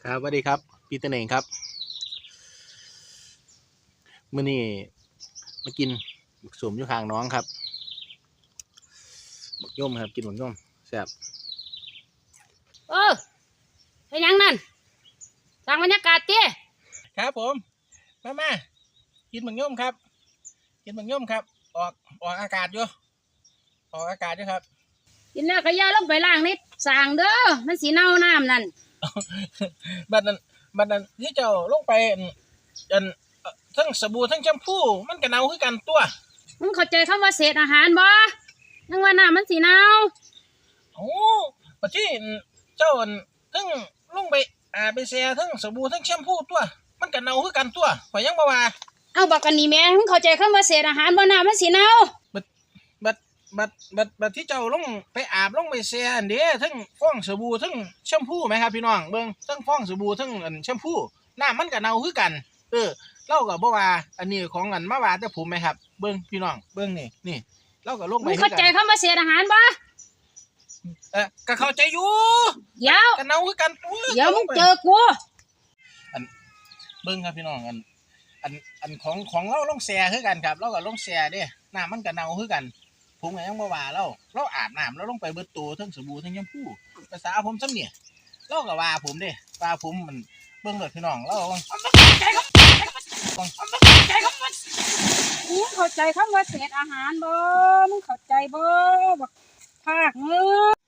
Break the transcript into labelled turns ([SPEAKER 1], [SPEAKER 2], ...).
[SPEAKER 1] ครับสวัสดีครับปีเตอร์เองครับมื้อนี้มากินหมึกสมอยู่ข้างน้องครับหมึกย่อมครับกินหมึกย่อมแซ่บ
[SPEAKER 2] เป็นยังนั่นสร้างบรรยากาศเตี้ย
[SPEAKER 1] ครับผมมากินหมึกย่อมครับกินหมึกย่อมครับออกอากาศอยู่ออกอากาศอยู่ครับ
[SPEAKER 2] กินแล้วก็อย่าลงไปล้างนิดสร้างเด้อมันสีเน่าน้ำนั่น
[SPEAKER 1] บัดนั้นที่เจ้าลงไปอันทั้งสบู่ทั้งแชมพูมันก็เน่าคือกันตัว
[SPEAKER 2] มึงเข้าใจคำว่าเศษอาหารบ่ยังว่าน้ำมันสีเน่า
[SPEAKER 1] โอ้ปัจจุบันเจ้าทั้งลงไปไปแช่ทั้งสบู่ทั้งแชมพูตัวมันก็เน่าคือกันตัวข่อยยังบ่ว่า
[SPEAKER 2] เอาบอกกันนี่แม่มึงเข้าใจคำว่าเศษอาหารบ่น้ำมันสีเน่า
[SPEAKER 1] บัดที่เจ้าลงไปอาบลงไปแช่อันเด้ทั้งฟองสบู่ทั้งแชมพูไหมครับพี่น้องเบิ่งทั้งฟองสบู่ทั้งแชมพูน้ำมันก็เน่าคือกันเราก็บ่ว่าอันนี้ของมาว่าแต่ผมไหมครับเบิ่งพี่น้องเบิ่งนี่เราก็ลงไป
[SPEAKER 2] มึงเข้าใจคำว่าเศษอาหารบ่
[SPEAKER 1] ก็เข้าใจอยู่
[SPEAKER 2] เดี๋ยว
[SPEAKER 1] ก็เน่าคือกัน
[SPEAKER 2] เดี๋ยวมึงเจอกู
[SPEAKER 1] เบิ่งครับพี่น้องอันของเราลงแช่คือกันครับเราก็ลงแช่เด้น้ำมันก็เน่าคือกันผมก็ยังบ่ว่าเราอาบน้ำแล้วลงไปเบิดตัวทั้งสบู่ทั้งแชมพูภาษาผมซ้ำเนี่ยเราก็ว่าผมเด้ว่าผมมันเบิ่งเลยพี่น้องเรา
[SPEAKER 2] มึงเข้าใจคำว่าเศษอาหารบ่มึงเข้าใจบ่บักภาคมึง